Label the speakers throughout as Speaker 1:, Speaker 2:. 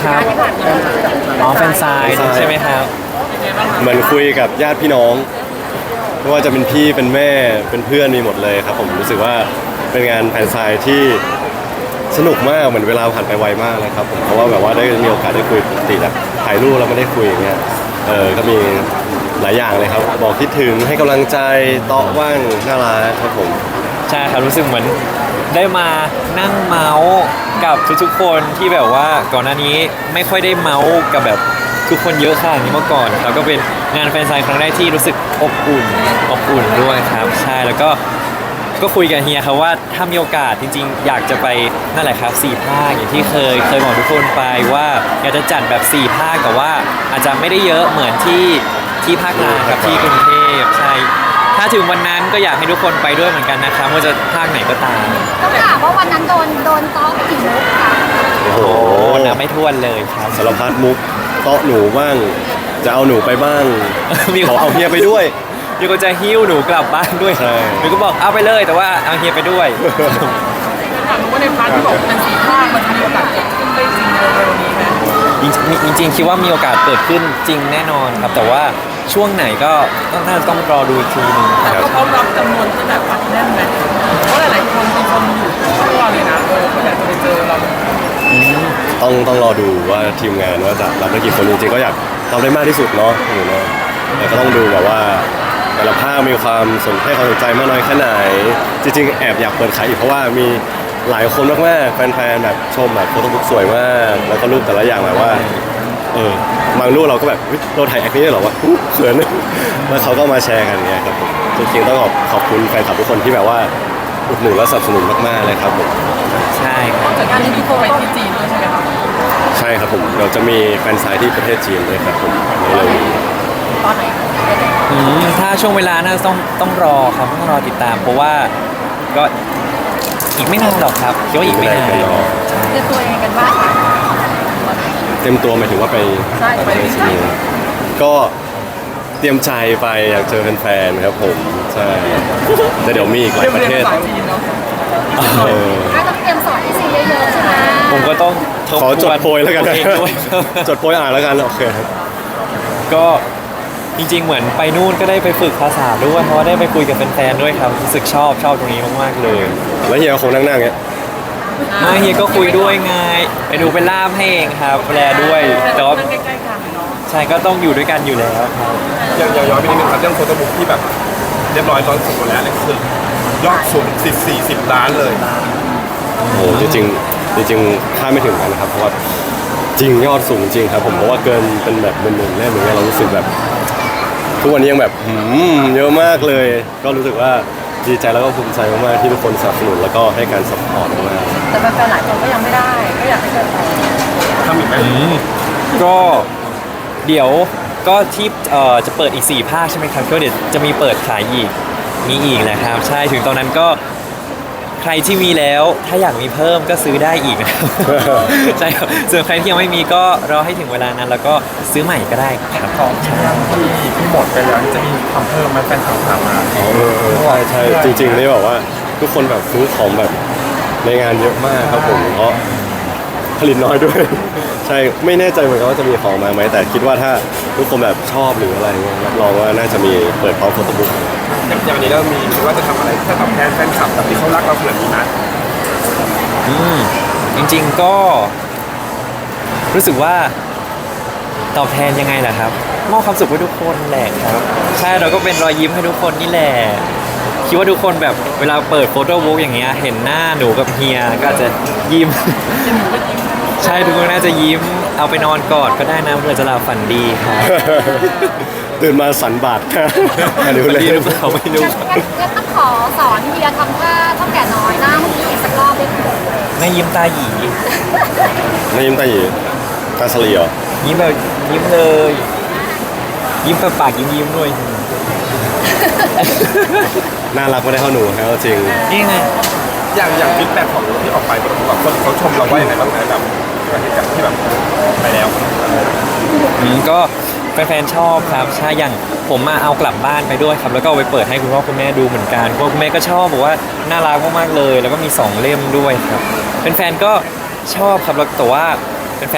Speaker 1: ครับอ๋อแฟนไซน์ใช่ไหมครับ
Speaker 2: เหมือนคุยกับญาติพี่น้องไม่ว่าจะเป็นพี่เป็นแม่เป็นเพื่อนมีหมดเลยครับผมรู้สึกว่าเป็นงานแฟนไซน์ที่สนุกมากเหมือนเวลาผ่านไปไวมากเลยครับผมเพราะว่าแบบว่าได้มีโอกาสได้คุยปกติแบบถ่ายรูปแล้วไม่ได้คุยอย่างเงี้ยก็มีหลายอย่างเลยครับบอกคิดถึงให้กำลังใจเตาะว่างน่ารักครับผม
Speaker 1: ใช่ครับรู้สึกเหมือนได้มานั่งเมาส์กับทุกๆคนที่แบบว่าก่อนหน้านี้ไม่ค่อยได้เมาส์กับแบบทุกคนเยอะขนาดนี้มาก่อนครับก็เป็นงานแฟนไซน์ครั้งแรกที่รู้สึกอบอุ่นด้วยครับใช่แล้วก็คุยกับเฮียครับว่าถ้ามีโอกาสจริงๆอยากจะไปนั่นแหละครับ4 ภาคอย่างที่เคยบอกทุกคนไปว่าอยากจะจัดแบบ4 ภาคแต่ว่าอาจจะไม่ได้เยอะเหมือนที่ภาคกลางกับที่กรุงเทพใช่ถ้าถึงวันนั้นก็อยากให้ทุกคนไปด้วยเหมือนกันนะครับว่าจะภาคไหนก็ตาม
Speaker 3: ต้องถามว่าวันนั้นโดนต้อไปกี่มุกค่ะ
Speaker 2: โอ้โห
Speaker 1: โอ้นับไม่ถ้วนเลยครับ
Speaker 2: สารพัดมุกเตาะหนูบ้างจะเอาหนูไปบ้าง
Speaker 1: มี
Speaker 2: ขอเอาเฮียไปด้วย
Speaker 1: มีคนจะหิ้วหนูกลับบ้านด้วย
Speaker 2: ใช่
Speaker 1: มีก็บอกเอาไปเลยแต่ว่าเอาเฮียไปด้วย
Speaker 4: ถามว่าในพาร์ทที่บอกเป็น4 ภาคมันจะมีโอกาสเกิดขึ้นได้จริงเร็วๆนี้ไหม
Speaker 1: จริงๆคิดว่ามีโอกาสเกิดขึ้นจริงแน่นอนครับ แต่ว่าช่วงไหนก็น่าจะต้องรอดูอีกทีหนึง
Speaker 4: แต่ก็พร้อมรับจำนวนที่แบบอัดแน่นไหมเพราะหลายๆคนมีคนอยู่ทั่วเลยนะเขาอยากจะไปเจอเรา
Speaker 2: ต้องรอดูว่าทีมงานว่าจะรับได้กี่คนจริงๆก็อยากทำได้มากที่สุดเนาะอยู่เนาะแต่ก็ต้องดูแบบว่าแต่ละภาคมีความให้ความสนใจมากน้อยแค่ไหนจริงๆแอบอยากเปิดขายอีกเพราะว่ามีหลายคนมากๆแฟนๆแบบชมแบบโฟโต้บุ๊กสวยมากแล้วก็รูปแต่ละอย่างแบบว่าบางรูปเราก็แบบเฮ้ยเราถ่ายแอคนี้ได้เหรอวะเขินแล้วเขาก็มาแชร์กันเนี่ยครับผมจริงๆต้องขอบคุณแฟนคลับทุกคนที่แบบว่าอุดหนุนและสนับสนุนมากๆเลยครับผม
Speaker 1: ใช่ครับ
Speaker 4: จากการที่มีโคไปที่จีนด้วยใช่ไหมครับ
Speaker 2: ใช่ครับผมเราจะมีแฟนไซต์ที่ประเทศจีนด้วยครับผมในเร็วนี้
Speaker 4: ตอนไหน
Speaker 1: ถ้าช่วงเวลาน่าจะต้องรอครับต้องรอติดตาม เพราะว่าก็อีกไม่นานหรอกครับคิดว่าอีกไม่นาน
Speaker 3: เตรียมตัวเองกันบ้างค่ะ
Speaker 2: เต็มตัวหมายถึงว่าไปประเทศจีนก็เตรียมใจไปอยากเจอแฟนๆครับผมใช่แต่เดี๋ยวมีอีกหลายประเทศ
Speaker 4: ภาษาจีนเนาะ
Speaker 2: เออ
Speaker 3: ก็ต้องเตรียมสอนที่ซีเยอะๆใช่ไหม
Speaker 1: ผมก็ต้องทบ
Speaker 2: ขอจ
Speaker 1: ท
Speaker 2: ด
Speaker 1: วน
Speaker 2: โพยแล้วกัน
Speaker 1: ตัวเองด้วยครับ
Speaker 2: จดโพยอ่านแล้วกันโอเคครับ
Speaker 1: ก็จริงๆเหมือนไปนู่นก็ได้ไปฝึกภาษาด้วยเพราะว่าได้ไปคุยกับแฟนๆด้วยครับรู้สึกชอบตรงนี้มากๆเลย
Speaker 2: แล้วเฮียคงนั่งๆเงี้ย
Speaker 1: มาเฮียก็คุยด้วยไงไปดูเป็นล่ามให้เองครับแปลด้วย แต่ว่า
Speaker 4: นั่งใกล้ๆกันเนาะ
Speaker 1: ใช่ก็ต้องอยู่ด้วยกันอยู่แล้วครับ
Speaker 5: อย่างย้อนไปนิดนึงครับเรื่องโฟโต้บุ๊กที่แบบเรียบร้อยตอนสุดหมดแล้วเนี่ยคือยอดสูง40 ล้านเลย
Speaker 2: โอ้โหจริงๆจริงๆคาดไม่ถึงกันนะครับเพราะว่าจริงยอดสูงจริงครับผมเพราะว่าเกินเป็นแบบหมื่นๆเล่มอย่างเงี้ยเรารู้สึกแบบทุกวันนี้ยังแบบเยอะมากเลย ก็รู้สึกว่าดีใจแล้วก็ภูมิใจมากๆที่ทุกคนสนับสนุนแล้วก็ให้การสปอร์ตมาก
Speaker 4: แต่แฟนๆหลายคนก็ยังไม่ได้ก็อยากให้แฟน
Speaker 5: ทำอีกไหม
Speaker 1: ก็เดี๋ยวก็ที่จะเปิดอีก4 ภาคใช่ไหมครับก็เดี๋ยวจะมีเปิดขายอีกมีอีกแหละครับใช่ถึงตอนนั้นก็ใครที่มีแล้วถ้าอยากมีเพิ่มก็ซื้อได้อีกนะครับ ใช่ครับส่วนใครที่ยังไม่มีก็รอให้ถึงเวลานั้นแล้วก็ซื้อใหม่ก็ได้ครับ
Speaker 5: ของที่หมดไปแล้วจะมีทำเพิ่มไหมแฟนคลับถามมา
Speaker 2: ใช่จริงๆนี่แบบว่าทุกคนแบบซื้อของแบบในงานเยอะมากครับผมเพราะผลิตน้อยด้วย ใช่ไม่แน่ใจเหมือนกันว่าจะมีของมาไหมแต่คิดว่าถ้าทุกคนแบบชอบหรืออะไรเงี้ยรับรองว่าน่าจะมีเปิดพร้อมโฟโต้บุ๊ก
Speaker 5: อย่างวันนี้เรามีคิดว่าจะทำอะไรจะตอบแทนแฟนคลับแบบที่เขารักเราขนาดนี้นะ
Speaker 1: จริงๆก็รู้สึกว่าตอบแทนยังไงล่ะครับมอบความสุขให้ทุกคนแหละครับใช่เราก็เป็นรอยยิ้มให้ทุกคนนี่แหละคิดว่าทุกคนแบบเวลาเปิดโฟโต้บุ๊กอย่างเงี้ยเห็นหน้าหนูกับเฮียก็อาจจะยิ้ม ใช่ทุกคนน่าจะยิ้มเอาไปนอนกอดก็ได้นะเพื่อจะหลับฝันดีครับ
Speaker 2: ตื่นมาสันบาทค่ะอันนี้
Speaker 1: ฝัน
Speaker 2: เลย
Speaker 1: ดีหรือเปล่าไม่รู้
Speaker 3: งั้นต้องขอสอนเฮียทำท่าเท่าแก่น้อยหน้าเมื่อกี้อีกสักรอบได้ไหม
Speaker 1: แม่ยิ้มตาหยี
Speaker 2: ไม่ยิ้มตาหยีตาสลีเหรอ
Speaker 1: ยิ้มแบบยิ้มเลย ยิ้มปากยิ้มด้วย
Speaker 2: น่ารักไม่ได้เท่าหนูครับจริง
Speaker 1: นี่ไง
Speaker 5: อย่างฟีดแบ็กของที่ออกไปแบบคนเขาชมเราว่าอย่างไรบ้างนะแบบจากที่แบบไปแล้ว
Speaker 1: ก็แฟนๆชอบครับใช่อย่างผมมาเอากลับบ้านไปด้วยครับ แล้วก็เอาไปเปิดให้คุณพ่อคุณแม่ดูเหมือนกันคุณพ่อคุณแม่ก็ชอบบอกว่าน่ารักมากๆเลย แล้วก็มี2 เล่มด้วยครับแฟนๆก็ชอบครับแล้วแต่ว่าแฟนๆอาจ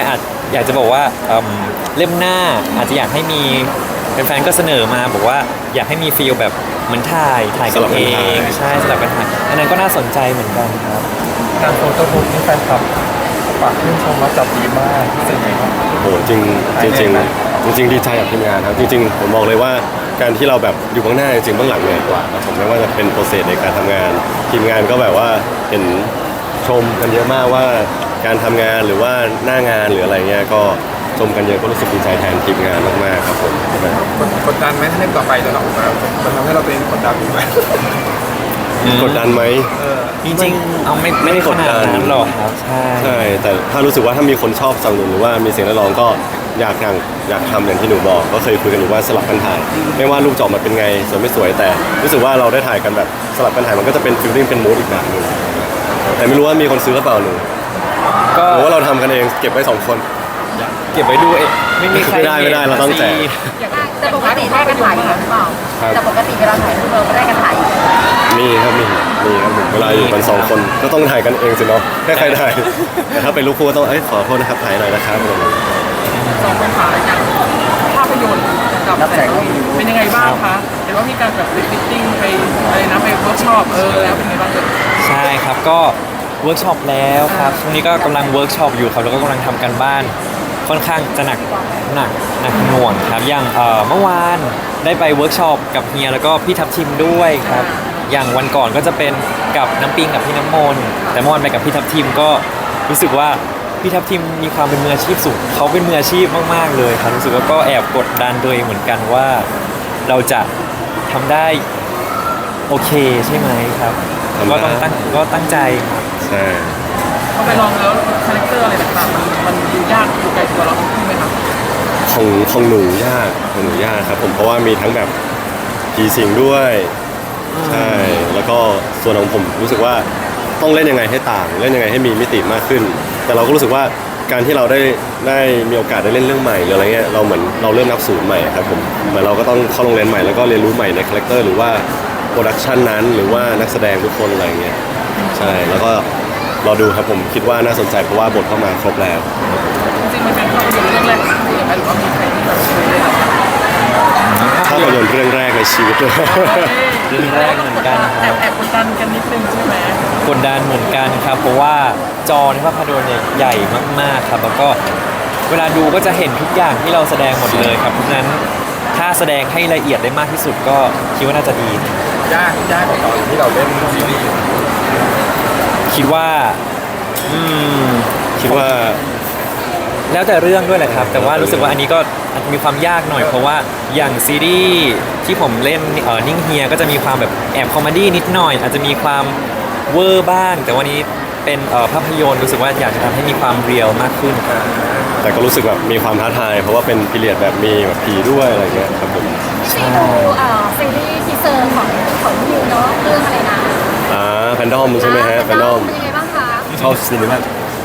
Speaker 1: อยากจะบอกว่าเล่มหน้าอาจจะอยากให้มีแฟนๆก็เสนอมาบอกว่าอยากให้มีฟีลแบบเหมือนถ่ายกั
Speaker 2: สลั
Speaker 1: น
Speaker 2: บกั
Speaker 1: เอน
Speaker 2: ถ่าย
Speaker 1: งใช่สลับกันถ่ายอันนั้นก็น่าสนใจเหมือนกันครับ
Speaker 4: การโฟโต้บุ๊กนี่แฟนคลับฝากชื่นชมว่าจับดีมากรู้สึกไงบ้าง
Speaker 2: โอ้โหจริงจริงจริงจริงๆดีใจกับทีมงานครับจริงๆผมบอกเลยว่าการที่เราแบบอยู่ข้างหน้าจริงๆเบื้องหลังเหนื่อยกว่าครับผมไม่ว่าจะเป็นโปรเซสในการทำงาน ทีมงานก็แบบว่าเห็นชมกันเยอะมากว่าการทำงานหรือว่าหน้างานหรืออะไรเงี้ยก็ชมกันเยอะก็รู้สึกดีใจแทนทีมงานมากๆครับผม
Speaker 5: กดดันไหมถ้าเล่มต่อไปจะออกมามันทำให้เราตัวเองกดดันอยู่ไหม
Speaker 2: กดดันไหม
Speaker 1: จริงๆเอาไม่ได้ขนาดนั้นหรอกครับใช่
Speaker 2: ใช่แต่ถ้ารู้สึกว่าถ้ามีคนชอบสนับสนุนหรือว่ามีเสียงเรียกร้องก็อยากทำอย่างที่หนูบอกก็เคยคุยกันอยู่ว่าสลับกันถ่ายไม่ว่ารูปจะออกมาเป็นไงสวยไม่สวยแต่รู้สึกว่าเราได้ถ่ายกันแบบสลับกันถ่ายมันก็จะเป็นฟีลลิ่งเป็นมูดอีกแบบหนึงแต่ไม่รู้ว่ามีคนซื้อหรือเปล่าหนู
Speaker 1: ก็
Speaker 2: หรือว่าเราทำกันเองเก็บไว้สองคน
Speaker 1: เก็บไว้ดูเองไม่มีใคร
Speaker 2: ไม่ได้เราต้องแจก
Speaker 3: แต่ปกติได้กันถ่ายอยู่แล้วหรือเปล่า
Speaker 2: ครับ
Speaker 3: แต่ปกติเวลาถ่ายรูปเราก็ได้กันถ่ายอยู่
Speaker 2: มีครับมีครับผมเวลาอยู่กันสองคนก็ต้องถ่ายกันเองสิเนาะให้ใครถ่ายแต่ถ้าเป็นลูกคู่ก็ต้องขอโทษนะครับถ่ายหน่อยนะครับอะไรอย่างเงี้ย
Speaker 4: สองปัญหาอย่างภาพยนตร์กับแสงเป็นยังไงบ้างคะเห็นว่ามีการแบบฟิตติ้งไปอะไรนะไปเวิร์กช็อปแล้วเป็นยังไงบ้างเอ่ย
Speaker 1: ใช่ครับก็เวิร์กช็อปแล้วครับช่วงนี้ก็กำลังเวิร์กช็อปอยู่ครับแล้วก็กำลังทำกันบ้านค่อนข้างจะหนักหน่วงครับอย่างเมื่อวานได้ไปเวิร์กช็อปกับเฮียแล้วก็พี่ทัพทิมด้วยครับอย่างวันก่อนก็จะเป็นกับน้ำปิงกับพี่น้ำมนต์แต่เมื่อวานไปกับพี่ทัพทิมก็รู้สึกว่าพี่ทัพทิมมีความเป็นมืออาชีพสูงเขาเป็นมืออาชีพมากๆเลยครับรู้สึกว่าก็แอบกดดันตัวเองเหมือนกันว่าเราจะทำได้โอเคใช่ไหมครับ
Speaker 2: ทำได้
Speaker 1: ก็ตั้งใจครับ
Speaker 2: ใช่
Speaker 4: พอไปลองแล้วคาแรคเตอร์อะไรต่างๆมันดูยากอยู่ไกลตัวเราใช่ไหมครับ
Speaker 2: ของหนูยากครับผมเพราะว่ามีทั้งแบบผีสิงด้วยใช่แล้วก็ส่วนของผมรู้สึกว่าต้องเล่นยังไงให้ต่างเล่นยังไงให้มีมิติมากขึ้น แต่เราก็รู้สึกว่าการที่เราได้มีโอกาสได้เล่นเรื่องใหม่หรืออะไรเงี้ยเราเหมือนเราเริ่มนับศูนย์ใหม่ครับผมเหมือนเราก็ต้องเข้าโรงเรียนใหม่แล้วก็เรียนรู้ใหม่ในคาแรคเตอร์หรือว่าโปรดักชันนั้นหรือว่านักแสดงทุกคนอะไรเงี้ยใช่แล้วก็รอดูครับผมคิดว่าน่าสนใจเพราะว่าบทเข้ามาครบแล้ว
Speaker 4: จริงๆมันเป็นภาพยนตร์เรื่องแรกของพี่ไหมหรือว่ามีใครที่แบบเคยได้รับ
Speaker 2: ภาพยนตร์เรื่องแรกในชีวิตเลย
Speaker 1: เรื่องแรกเหมือนกันค
Speaker 4: แอ
Speaker 1: รั
Speaker 4: บบ แอบกดดันกันนิดนึงใช่ไหม
Speaker 1: กดดันเหมือนกันครับ เพราะว่าจอในภาพยนตร์เนี่ยใหญ่มากๆครับ แล้วก็เวลาดูก็จะเห็นทุกอย่างที่เราแสดงหมดเลยครับเพราะฉะนั้นถ้าแสดงให้ละเอียดได้มากที่สุดก็คิดว่าน่าจะดี
Speaker 5: ยากกว่าตอนที่เราเล่นซีรีส์
Speaker 1: คิดว่าอืม
Speaker 2: คิดว่า
Speaker 1: แล้วแต่เรื่องด้วยแหละครับ แต่ว่ารู้สึกว่าอันนี้ก็อาจจะมีความยากหน่อยเพราะว่าอย่างซีรีส์ที่ผมเล่นนิ่งเฮียก็จะมีความแบบแอบคอมเมดี้นิดหน่อย อาจจะมีความเวอร์บ้าง แต่วันนี้เป็นภาพยนตร์รู้สึกว่าอยากจะทำให้มีความเรียลมากขึ้นครับ
Speaker 2: แต่ก็รู้สึกแบบมีความท้าทาย เพราะว่าเป็นพีเรียดแบบมีแบบผีด้วยอะไรเงี้ยครับผม
Speaker 3: ซีดูซีรีส์ทีเซอร์ของนิวเนาะเรื่องอะไรนะ
Speaker 2: แฟนดอมใช่ไหมฮะแฟนดอม
Speaker 3: เป็นยังไงบ้างคะ
Speaker 2: ชอบซีรีส์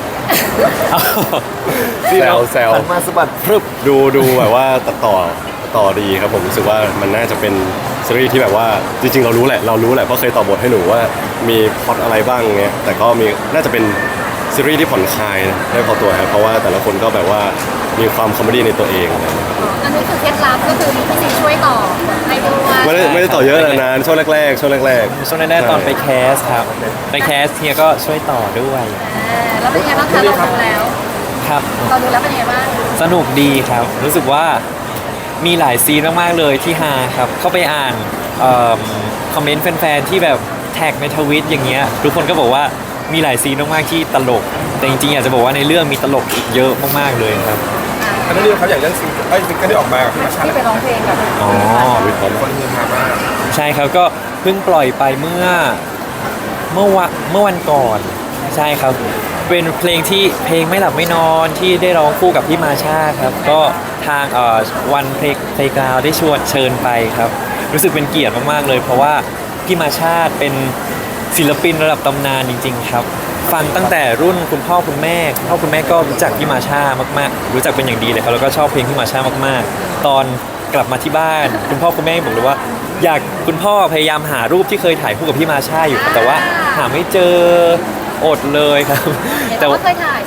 Speaker 1: ที่เรา
Speaker 2: แซว
Speaker 1: หันมาสะบัดพรึบ
Speaker 2: ดูแบบว่าตัดต่อดีครับผมรู้สึกว่ามันน่าจะเป็นซีรีส์ที่แบบว่าจริงๆเรารู้แหละเพราะเคยต่อบทให้หนูว่ามีพล็อตอะไรบ้างเงี้ยแต่ก็มีน่าจะเป็นซีรีส์ที่ผ่อนคลายนะได้พอตัวครับเพราะว่าแต่ละคนก็แบบว่ามีความคอมเมดี้ในตัวเองอะไรเงี้ยครับ
Speaker 3: อันนี้คือเคล็ดลับก็คือมีพี่ซีช่วยต่อให้ด้วย
Speaker 2: ไม่ได้ต่อเยอะนานๆช่วงแรกๆ
Speaker 1: ช่วงแรกๆตอนไปแคสครับไปแคสเฮียก็ช่วยต่อด้วย
Speaker 3: แล้วเป็นยังไงบ้างคะเราดูแล้ว
Speaker 1: ครับ
Speaker 3: เราดูแล้วเป็นยังไงบ้าง
Speaker 1: สนุกดีครับ รู้สึกว่ามีหลายซีนมากๆเลยที่ฮาครับ เข้าไปอ่านคอมเมนต์แฟนๆที่แบบแท็กในทวิตอย่างเงี้ยทุกคนก็บอกว่ามีหลายซีนมากๆที่ตลก แต่จริงๆอยากจะบอกว่าในเรื่องมีตลกอีกเยอะมากๆเลยครับ
Speaker 5: อันนั้นเรื่องเขาอยากเล่นซิงเกิลที่ออกมากับพี่มาชา
Speaker 3: ที่ไปร้องเพลงกับ
Speaker 1: อ๋อ
Speaker 5: คนฮือฮามาก
Speaker 1: ใช่ครับก็เพิ่งปล่อยไปเมื่อวันก่อนใช่ครับ เป็นเพลงที่เพลงไม่หลับไม่นอนที่ได้ร้องคู่กับพี่มาชาครับก็ทางวันเพลงกราวได้เชิญไปครับ รู้สึกเป็นเกียรติมากๆเลย เพราะว่าพี่มาชาเป็นศิลปินระดับตำนานจริง ๆ ครับ ฟังตั้งแต่รุ่นคุณพ่อคุณแม่ก็รู้จักพี่มาชามากๆ รู้จักเป็นอย่างดีเลยครับแล้วก็ชอบเพลงพี่มาชามากๆ ตอนกลับมาที่บ้าน คุณพ่อคุณแม่บอกเลยว่า คุณพ่อพยายามหารูปที่เคยถ่ายคู่กับพี่มาชาอยู่ครับแต่ว่าหาไม่เจออดเลยครับ
Speaker 3: เห็น
Speaker 1: แต่
Speaker 3: ว่า
Speaker 1: ว่า
Speaker 3: เคยถ่ายใช่ไหมคุณพ่อ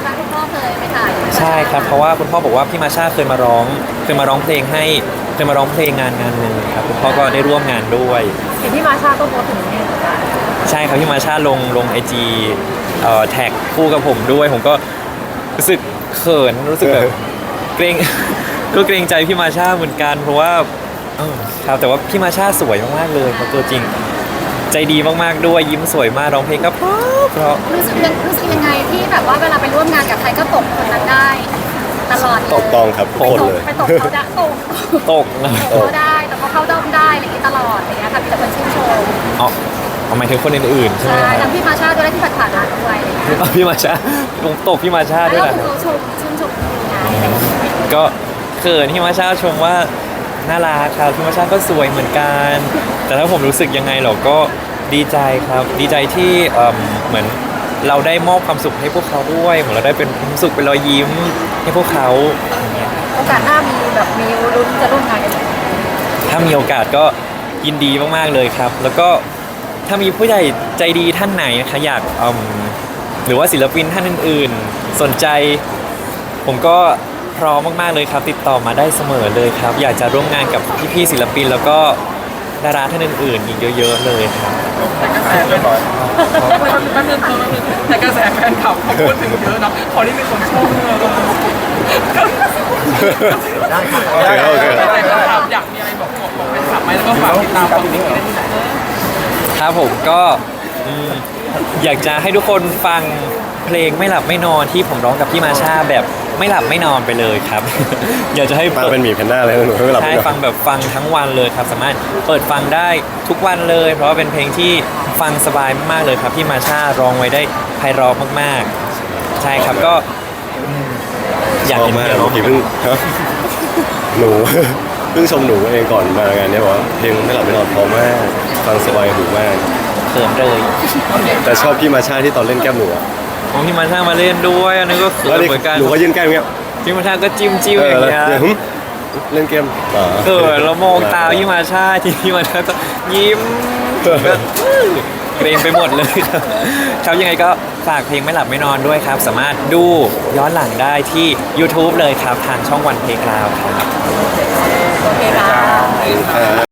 Speaker 3: เคยไปถ่าย
Speaker 1: ใช่ครับเพราะว่าคุณพ่อบอกว่าพี่มาชาเคยมาร้องเพลงให้เคยมาร้องเพลงงานหนึ่งครับคุณพ่อก็ได้ร่วมงานด้วย
Speaker 3: เห็นที่มาชาก็โพสต์ถึงนี่เหมือนกัน
Speaker 1: ใช่ครับพี่มาชาลงไอจีแท็กคู่กับผมด้วย ผมก็รู้สึกเขินรู้สึกแบบเกรง ก็เกรงใจพี่มาชาเหมือนกันเพราะว่าครับแต่ว่าพี่มาชาสวยมากๆเลยเขาตัวจริง ใจดีมากๆด้วยยิ้มสวยมากร้องเพลงก็เพราะ
Speaker 3: รู้สึกยังไงที่แบบว่าเวลาไปร่วมงานกับใครก็ตกคนนั้นได้ตลอดเลย
Speaker 2: ตกต้องครับทุกคนเลย
Speaker 3: ไปตกเขาได้ตก
Speaker 1: ตกนะ
Speaker 3: เขาได้แต่เขาเข้าด้อมได้อะไรอย่างนี้ตลอดอะไรอย่างเงี้ยค่ะมีแต่คนชื่นชม
Speaker 1: อ๋อหมายถึงคนอื่นๆใช่ไหม
Speaker 3: ใช่
Speaker 1: ครั
Speaker 3: ทั้
Speaker 1: บ
Speaker 3: งพี่มาชาด้วยและที่ผ่านๆมาด้วยอะไรอย่างเงี้ย
Speaker 1: พี่มาชาตกพี่มาชาด้วย
Speaker 3: แล้ว
Speaker 1: นะ
Speaker 3: คือเขาชื่นชมงานอะไรอย่างเงี้ย
Speaker 1: ก็เขินพี่มาชาชมว่าน่ารักครับพี่มาชาก็สวยเหมือนกัน แต่ถ้าผมรู้สึกยังไงเราก็ดีใจครับ ดีใจที่เหมือนเราได้มอบความสุขให้พวกเขาด้วยเหมือนเราได้เป็นความสุขเป็นรอยยิ้มให้พวกเขาอย่างเงี้ย
Speaker 3: โอกาสหน้ามีลุ้นจะร่วมงานกันอีก
Speaker 1: ถ้ามีโอกาสก็ยินดีมากๆเลยครับ แล้วก็ถ้ามีผู้ใหญ่ใจดีท่านไหนนะคะอยากหรือว่าศิลปินท่านอื่นๆ สนใจผมก็พร้อมมากๆเลยครับ ติดต่อมาได้เสมอเลยครับ อยากจะร่วมงานกับพี่ๆศิลปิน แล้วก็ดาราท่านอื่นๆอีกเยอะ ๆ เลยครับ
Speaker 4: แต่กระแสเรียบร้อยแป๊บนึงแต่กระแสแฟนคลับเขาพูดถึงเยอะนะพอที่มีคนชมเลย
Speaker 2: โอเคโอเค
Speaker 4: แต่แฟนคลับอยากมีอะไรบอกแฟนคลับไหมแล้วก็ฝากติดตามฟังเพลงได้ที่ไหน
Speaker 1: ครับผมก็อยากจะให้ทุกคนฟังเพลงไม่หลับไม่นอนที่ผมร้องกับพี่มาชาแบบไม่หลับไม่นอนไปเลยครับ อยากจะให้
Speaker 2: มาเป็นหมีแพนด้าเลยหนูไม่หลับ
Speaker 1: ใช่
Speaker 2: ไม่นอน
Speaker 1: ฟังแบบฟังทั้งวันเลยครับสามารถเปิดฟังได้ทุกวันเลย เพราะว่าเป็นเพลงที่ฟังสบายมากๆเลยครับพี่มาชาร้องไว้ได้ไพเราะมากๆ ใช่ครับก็อยาก
Speaker 2: ชอบ
Speaker 1: เห็น
Speaker 2: มาก
Speaker 1: เพื่อนร้อง
Speaker 2: เมื่อกี้เพิ่งฮะหนู เพิ่งชมหนูเองก่อนมางานนี้บอกว่าเพลงไม่หลับไม่นอนเพราะมากฟังสบายหูมาก
Speaker 1: เขินเลย
Speaker 2: แต่ชอบพี่มาชาที่ตอนเล่นแก้มหนูอะ
Speaker 1: ของพี่มาชามาเล่นด้วยอันนี้ก็เขิ
Speaker 2: แล้ว
Speaker 1: น
Speaker 2: นี่
Speaker 1: เหมือนกัน
Speaker 2: หนูก็ยื่นแก้มอย่างเงี้ย
Speaker 1: พี่มาชาก็จิ้มๆ
Speaker 2: เอ
Speaker 1: อ
Speaker 2: อย่าง แล้ว
Speaker 1: เงี้ย
Speaker 2: เดี๋ยวหึเล่นเกมอ๋อ
Speaker 1: เรามองตาพี่มาชาที่พี่มาชาก็ยิ้มแบบเกรงไปหมดเลยครับครับยังไงก็ฝากเพลงไม่หลับไม่นอนด้วยครับ สามารถดูย้อนหลังได้ที่ YouTube เลยครับทางช่องวันเพลงราวครับ
Speaker 3: โอเคค่ะ
Speaker 2: อ่า